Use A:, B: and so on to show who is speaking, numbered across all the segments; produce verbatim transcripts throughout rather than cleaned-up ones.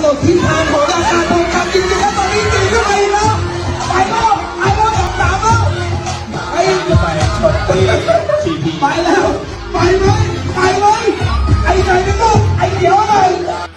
A: หนดทิศทางของราคาทองคำจริงๆแล้วตอนนี้ตีขึ้นไปแล้วไปแล้วไปแล้วสองสามแล้วไปไปช็อตตีทีพีไปแล้วไปเลยไปเลยไอ้ไหนนี่ลูกไอ้เดี๋ยวหน่อย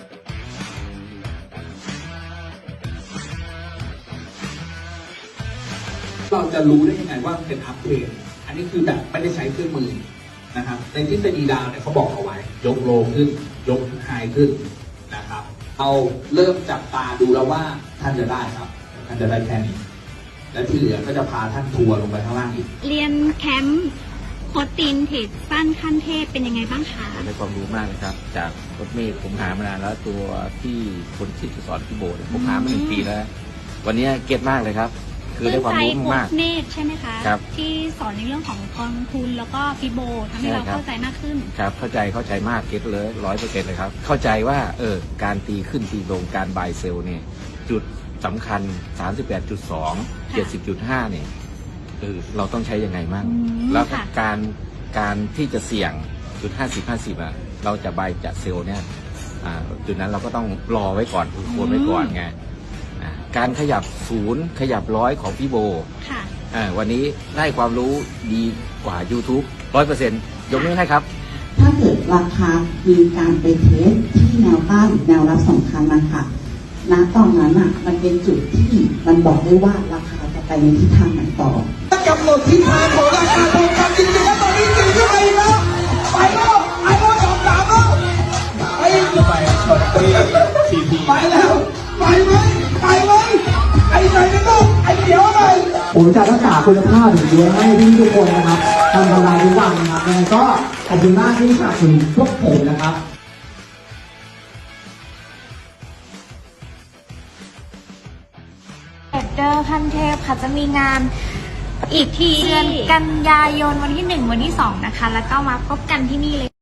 A: เราจะรู้ได้ยังไงว่าเป็นอัปเกรดอันนี้คือแบบไม่ได้ใช้เครื่องมือนะครับในทฤษฎีดาวเนี่ยเขาบอกเอาไว้ยกโลขึ้นยกไฮขึ้นนะครับเอาเริ่มจับตาดูแล้วว่าท่านจะได้ครับท่านจะได้แค่นี้และที่เหลือก็จะพาท่านทัวร์ลงไปข้างล่างอีก
B: เรียนแคมป์โค้ชตีนเทรดสั้นขั้นเทพเป็นยังไงบ้างคะ
C: ได้ความรู้มากเลยครับจากโค้ชเมฆผมหามานานแล้วตัวที่คนที่สอนพี่โบผมหามาหนึ่งปีแล้ววันนี้เก็ตมากเลยครับคือได้ความรู้มาก
B: โค้ชเมฆใช่ไหมคะ
C: ครับ
B: ที่สอนในเรื่องของกองทุนแล้วก็ฟิโบทำให้เราเข้าใจมากขึ้น
C: ครับเข้าใจเข้าใจมากเก็ตเลยร้อยเปอร์เซ็นต์เลยครับเข้าใจว่าเออการตีขึ้นตีลงการบายเซลเนี่ยจุดสำคัญ สามสิบแปดจุดสอง เจ็ดสิบจุดห้า เนี่ยเออเราต้องใช้ยังไงมั่งแล้วการการที่จะเสี่ยงจุดห้าสิบห้าสิบอ่ะเราจะบายจะเซลเนี่ยอ่าจุดนั้นเราก็ต้องรอไว้ก่อนควรไว้ก่อนไงการขยับศูนย์ขยับร้อยของพี่โบ
B: ค่ะ
C: วันนี้ได้ความรู้ดีกว่า YouTube ร้อยเปอร์เซ็นต์ยกนิ้วให้ครับ
D: ถ้าเกิดราคามีการไปเทสที่แนวต้านแนวรับสำคัญนะคะณตอนนั้นอ่ะมันเป็นจุดที่มันบอกได้ว่าราคาจะไปในทิศทางไหนต่อก
A: ำหนดทิศทางของราคาทองคำจริงๆแล้วตอนนี้ตีขึ้นไปแล้วไปแล้วไปแล้วสองสามแล้วไปไปช็อตตีทีพีไปแล้วไปเลยไปเลยไอ้ไหนนี่ลูกไอ้เดี๋ยวหน่อย
E: ผมจะรักษาคุณภาพอย่างเดียวให้พี่ทุกคนนะครับทำกำไรทุกวันนะครับยังไงก็ขอบคุณมากที่สนับสนุนพวกผมนะครับ
F: เทรดเดอร์ขั้นเทพค่ะจะมีงานอีกทีเดือนกันยายนวันที่หนึ่งวันที่สองนะคะแล้วก็มาพบกันที่นี่เลย